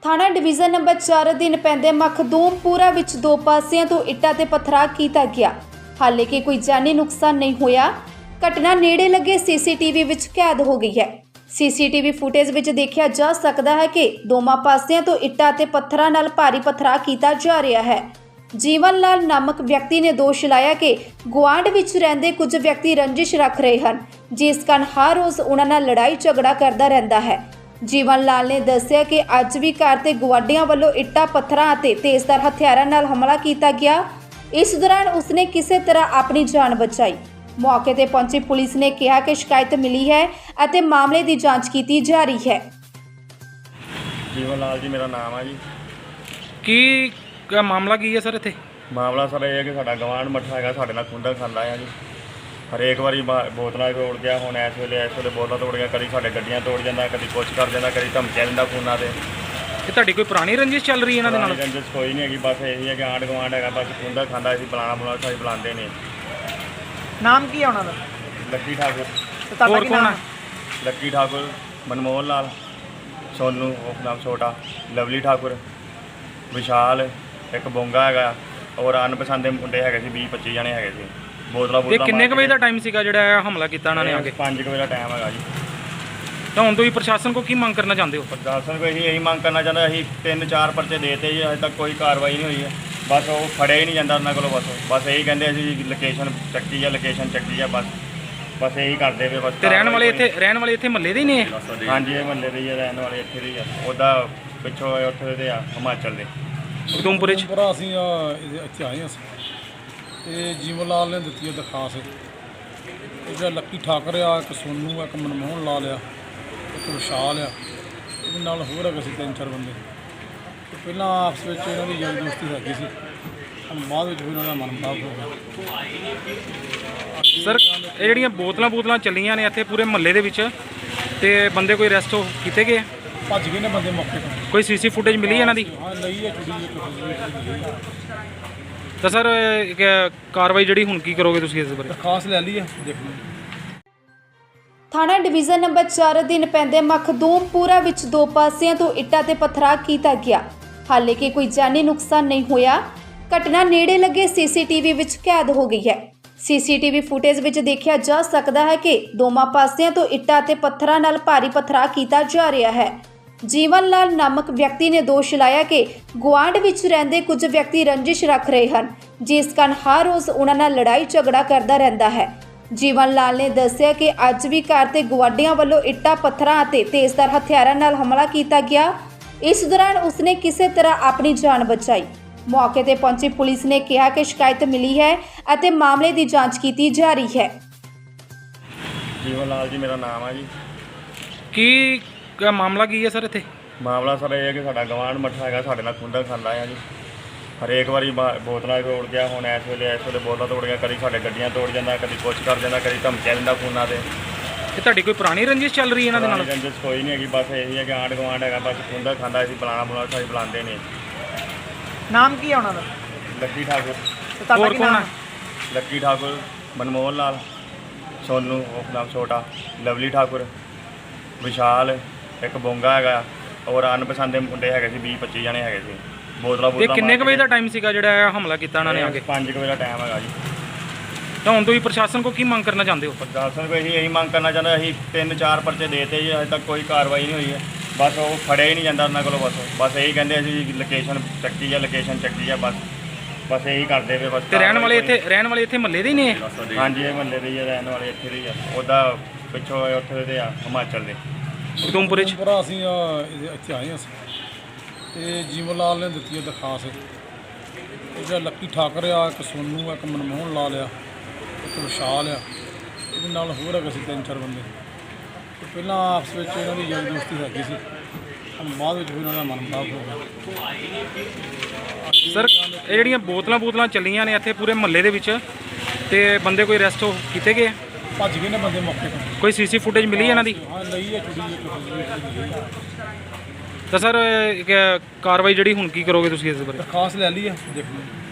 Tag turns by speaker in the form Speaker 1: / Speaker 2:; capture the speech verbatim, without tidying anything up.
Speaker 1: थाणा division number चार अधीन पैंदे मखदूमपुरा विच दो पासियां तो इट्टां ते पत्थरा कीता गया। हाले कि कोई जानी नुकसान नहीं होया। घटना नेड़े लगे सीसीटीवी विच कैद हो गई है। सीसीटीवी फुटेज विच देखा जा सकता है कि दोवां पासियां तो इट्टां ते पत्थरां नाल भारी पत्थरा कीता जा रहा है। जीवन लाल नामक व्यक्ति ने दोष लाया कि गुआंढ विच रहिंदे कुछ व्यक्ति रंजिश रख रहे हैं, जिस कारण हर रोज़ उन्हां नाल लड़ाई झगड़ा करता रहता है। जीवन लाल ने दस्सिया कि अज भी घर ते गुआढ़ियां वल्लों इट्टां पत्थरां अते तेज़धार हथियारां नाल हमला किया गया। इस दौरान उसने किसी तरह अपनी जान बचाई। मौके ते पहुंची पुलिस ने कहा कि शिकायत मिली है अते मामले की जांच की जा रही है।
Speaker 2: जीवन लाल जी मेरा नाम है जी।
Speaker 3: की क्या मामला की है सर इत्थे?
Speaker 2: मामला सर ये है कि साडा गवांढ मੱਠਾ ਹੈਗਾ ਸਾਡੇ ਨਾਲ ਖੁੰਡਾ ਖਾਂਦਾ ਹੈ ਜੀ। हरेक वारी बोतलों तोड़ गया, हुण इस वेले इस वेले बोतल तोड़ गया, कभी साडे गड्डियां तोड़ जाता, कभी कुछ कर जाता, कभी धमकियां दिंदा फोनां ते।
Speaker 3: कि तुहाडी कोई पुरानी रंजिश चल रही है इन्हां दे नाल?
Speaker 2: रंजिश कोई नहीं हैगी, बस यही है कि आंढ गवांढ हैगा, बस खुंदा खांदा असीं बुलाना बुलाना साडी बुलांदे ने।
Speaker 4: नाम की है उन्हां दा?
Speaker 2: लक्की ठाकुर।
Speaker 4: ते तुहाडा
Speaker 3: होर
Speaker 4: की
Speaker 3: कौन
Speaker 4: नाम
Speaker 3: है?
Speaker 4: है?
Speaker 2: लक्की ठाकुर, मनमोहन लाल, सोनू उप नाम छोटा, लवली ठाकुर, विशाल, एक बोंगा हैगा और अनपसंद मुंडे हैगे सी, बीस पच्ची जने हैगे सी। बोतलां
Speaker 3: ते
Speaker 2: बोतलां
Speaker 3: किन्ने क बजे दा टाइम सीगा जिहड़ा हमला कीता इन्हां ने आके?
Speaker 2: पाँच बजे का टाइम हैगा जी।
Speaker 3: तो हुण तुसीं प्रशासन को की मंग करना चाहते हो?
Speaker 2: प्रशासन को यही यही मंग करना चाहता, अभी तीन चार परचे देते जी, अजे तक कोई कार्रवाई नहीं हुई है। बस वो फड़े ही नहीं जाता उन्होंने को, बस बस यही कहते असीं लोकेशन चक्की है, लोकेशन चक्की है, बस बस यही करते पे। बस
Speaker 3: ते रहण वाले इत्थे रहण वाले इत्थे महल्ले दे ही ने?
Speaker 2: हाँ जी, ये महल्ले दे ही रहने वाले इत्थे दे ही आ। उदा पिछों उत्थे दे आ हिमाचल दे
Speaker 3: उधमपुर च।
Speaker 5: ਪੂਰਾ ਅਸੀਂ ਇਹਦੇ ਇੱਥੇ ਆਏ ਹਾਂ ਅਸੀਂ ਤੇ ਜੀਵਨ ਲਾਲ ਨੇ ਦਿੱਤੀ ਹੈ ਦਰਖਾਸਤ। ਇਹ ਜਿਹੜਾ ਲੱਕੀ ਠਾਕਰ ਆ, ਇੱਕ ਸੋਨੂ ਆ, ਇੱਕ ਮਨਮੋਹਨ ਲਾਲ ਆ, ਇੱਕ ਵਿਸ਼ਾਲ ਆ, ਇਹਦੇ ਨਾਲ ਹੋਰ ਹੈਗੇ ਸੀ ਤਿੰਨ ਚਾਰ ਬੰਦੇ। ਤੇ ਪਹਿਲਾਂ ਆਪਸ ਵਿੱਚ ਇਹਨਾਂ ਦੀ ਯਾਰੀ ਦੋਸਤੀ ਹੈਗੀ ਸੀ, ਹੁਣ ਬਾਅਦ ਵਿੱਚ ਵੀ ਇਹਨਾਂ ਦਾ ਮਨਮੁਟਾਵ ਹੋ ਗਿਆ।
Speaker 3: ਸਰ ਇਹ ਜਿਹੜੀਆਂ ਬੋਤਲਾਂ ਬੋਤਲਾਂ ਚੱਲੀਆਂ ਨੇ ਇੱਥੇ ਪੂਰੇ ਮਹੱਲੇ ਦੇ ਵਿੱਚ, ਤੇ ਬੰਦੇ ਕੋਈ ਅਰੈਸਟ ਕੀਤੇ ਗਏ?
Speaker 5: ਭੱਜ ਗਏ ਨੇ ਬੰਦੇ ਮੌਕੇ ਤੋਂ।
Speaker 3: ਕੋਈ ਸੀਸੀ ਫੁਟੇਜ ਮਿਲੀ ਇਹਨਾਂ ਦੀ?
Speaker 5: ਹਾਂ ਲਈ ਹੈ ਕੁੜੀ ਇੱਕ
Speaker 3: ਤਾਂ ਸਰ ਕਾਰਵਾਈ ਜਿਹੜੀ ਹੁਣ ਕੀ ਕਰੋਗੇ ਤੁਸੀਂ ਇਸ ਬਾਰੇ?
Speaker 5: ਦਰਖਾਸਤ ਲੈ ਲਈ ਹੈ, ਦੇਖ ਲਓ।
Speaker 1: थाणा डिवीजन नंबर चार अधीन पैंदे मखदूमपुरा विच दो पासियां तो इट्टां ते पत्थरा कीता गया। हाले कि कोई जानी नुकसान नहीं होया। घटना नेड़े लगे सीसीटीवी विच कैद हो गई है। सीसीटीवी फुटेज विच देखा जा सकता है कि दोवां पासियां तो इट्टां ते पत्थरां नाल भारी पत्थरा कीता जा रहा है। जीवन लाल नामक व्यक्ति ने दोष लाया कि गुआंढ विच रहिंदे कुछ व्यक्ति रंजिश रख रहे हैं, जिस कारण हर रोज़ उन्हां नाल लड़ाई झगड़ा करता रहता है। जीवन लाल ने दस्सिया कि अज भी घर ते गुआढ़ियां वल्लों इट्टां पत्थरां अते तेज़धार हथियारां नाल हमला किया गया। इस दौरान उसने किसी तरह अपनी जान बचाई। मौके ते पहुंची पुलिस ने कहा कि शिकायत मिली है अते मामले की जांच की जा रही है।
Speaker 2: जीवन लाल जी मेरा नाम है जी।
Speaker 3: की क्या मामला की है सर इत्थे?
Speaker 2: मामला सर ये है कि साडा गवांढ मੱਠਾ हैगा, साडे नाल खुंदा खांदा है जी। हरेक वारी बोतलों तोड़ गया, हुण इस वेले इस वेले बोतल तोड़ गया, कभी साडे गड्डियां तोड़ जाता, कभी कुछ कर जाता, कभी धमकियां दिंदा फोनां ते।
Speaker 3: कि तुहाडी कोई पुरानी रंजिश चल रही है इन्हां दे नाल?
Speaker 2: रंजिश कोई नहीं हैगी, बस यही है कि आंढ गवांढ हैगा, बस खुंदा खांदा असीं बुलाना बुलाना साडी बुलांदे ने।
Speaker 4: नाम की है उन्हां दा?
Speaker 2: लक्की ठाकुर।
Speaker 4: ते तुहाडा
Speaker 3: होर
Speaker 4: की
Speaker 3: कौन
Speaker 4: नाम
Speaker 3: है?
Speaker 4: है?
Speaker 2: लक्की ठाकुर, मनमोहन लाल, सोनू उप नाम छोटा, लवली ठाकुर, विशाल, एक बोंगा हैगा और अनपसंद मुंडे हैगे सी, बीस पच्ची जने हैगे सी। बोतलां
Speaker 3: ਤੇ
Speaker 2: बोतलां
Speaker 3: ਕਿੰਨੇ ਕ ਵਜੇ ਦਾ ਟਾਈਮ ਸੀਗਾ ਜਿਹੜਾ ਹਮਲਾ ਕੀਤਾ ਇਹਨਾਂ ਨੇ ਆਕੇ?
Speaker 2: पाँच बजे का टाइम हैगा जी।
Speaker 3: ਤਾਂ ਹੁਣ ਤੁਸੀਂ ਪ੍ਰਸ਼ਾਸਨ ਕੋ ਕੀ ਮੰਗ करना चाहते हो?
Speaker 2: प्रशासन को यही यही मंग करना चाहता, अभी तीन चार परचे देते जी, अजे तक कोई कार्रवाई नहीं हुई है। बस वो फड़े ही नहीं जाता उन्होंने को, बस बस यही कहते असीं लोकेशन चक्की है, लोकेशन चक्की है, बस बस यही करते पे। बस
Speaker 3: ਤੇ ਰਹਿਣ ਵਾਲੇ ਇੱਥੇ ਰਹਿਣ ਵਾਲੇ ਇੱਥੇ ਮਹੱਲੇ ਦੇ ਹੀ ਨੇ?
Speaker 2: हाँ जी, ये महल्ले दे ही आ, रहने वाले इत्थे दे ही आ। उदा पिछों उत्थे दे आ हिमाचल दे
Speaker 3: ਉਧਮਪੁਰ ਚ।
Speaker 5: ਪੂਰਾ ਅਸੀਂ ਇਹਦੇ ਇੱਥੇ ਆਏ ਹਾਂ ਅਸੀਂ ਤੇ ਜੀਵਨ ਲਾਲ ਨੇ ਦਿੱਤੀ ਹੈ ਦਰਖਾਸਤ। ਇਹ ਜਿਹੜਾ ਲੱਕੀ ਠਾਕਰ ਆ, ਇੱਕ ਸੋਨੂ ਆ, ਇੱਕ ਮਨਮੋਹਨ ਲਾਲ ਆ, ਇੱਕ ਵਿਸ਼ਾਲ ਆ, ਇਹਦੇ ਨਾਲ ਹੋਰ ਹੈਗੇ ਸੀ ਤਿੰਨ ਚਾਰ ਬੰਦੇ। ਤੇ ਪਹਿਲਾਂ ਆਪਸ ਵਿੱਚ ਇਹਨਾਂ ਦੀ ਯਾਰੀ ਦੋਸਤੀ ਹੈਗੀ ਸੀ, ਹੁਣ ਬਾਅਦ ਵਿੱਚ ਵੀ ਇਹਨਾਂ ਦਾ ਮਨਮੁਟਾਵ ਹੋ ਗਿਆ।
Speaker 3: ਸਰ ਇਹ ਜਿਹੜੀਆਂ ਬੋਤਲਾਂ ਬੋਤਲਾਂ ਚੱਲੀਆਂ ਨੇ ਇੱਥੇ ਪੂਰੇ ਮਹੱਲੇ ਦੇ ਵਿੱਚ, ਤੇ ਬੰਦੇ ਕੋਈ ਅਰੈਸਟ ਕੀਤੇ ਗਏ?
Speaker 5: ਭੱਜ ਗਏ ਨੇ ਬੰਦੇ ਮੌਕੇ ਤੋਂ।
Speaker 3: ਕੋਈ ਸੀਸੀ ਫੁਟੇਜ ਮਿਲੀ ਇਹਨਾਂ ਦੀ?
Speaker 5: ਹਾਂ ਲਈ ਹੈ ਕੁੜੀ ਇੱਕ
Speaker 3: ਤਾਂ ਸਰ ਕਾਰਵਾਈ ਜਿਹੜੀ ਹੁਣ ਕੀ ਕਰੋਗੇ ਤੁਸੀਂ ਇਸ ਬਾਰੇ?
Speaker 5: ਦਰਖਾਸਤ ਲੈ ਲਈ ਹੈ, ਦੇਖ ਲਓ।